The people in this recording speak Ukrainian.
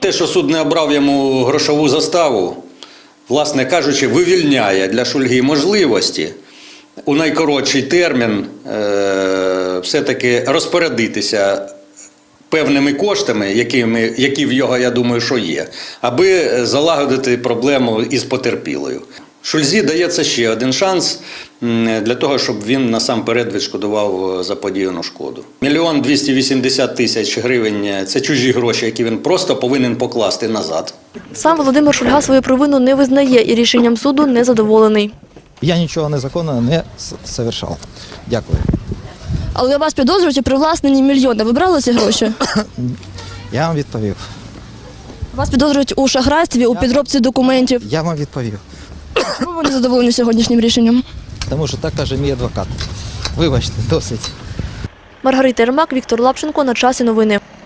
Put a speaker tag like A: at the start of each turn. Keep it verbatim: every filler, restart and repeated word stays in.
A: Те, що суд не обрав йому грошову заставу, власне кажучи, вивільняє для Шульги можливості у найкоротший термін е- все-таки розпорядитися певними коштами, якими, які в його, я думаю, що є, аби залагодити проблему із потерпілою. Шульзі дається ще один шанс для того, щоб він насамперед відшкодував заподіяну шкоду. Мільйон двісті вісімдесят тисяч гривень – це чужі гроші, які він просто повинен покласти назад.
B: Сам Володимир Шульга свою провину не визнає і рішенням суду не задоволений.
C: Я нічого незаконного не совершав. Дякую.
B: Але вас підозрюють у привласненні мільйона. Ви брали ці гроші?
C: Я вам відповів.
B: Вас підозрюють у шахрайстві, у підробці документів.
C: Я вам відповів.
B: Чому ви не задоволені сьогоднішнім рішенням?
C: Тому що так каже мій адвокат. Вибачте, досить.
B: Маргарита Єрмак, Віктор Лапченко. На часі новини.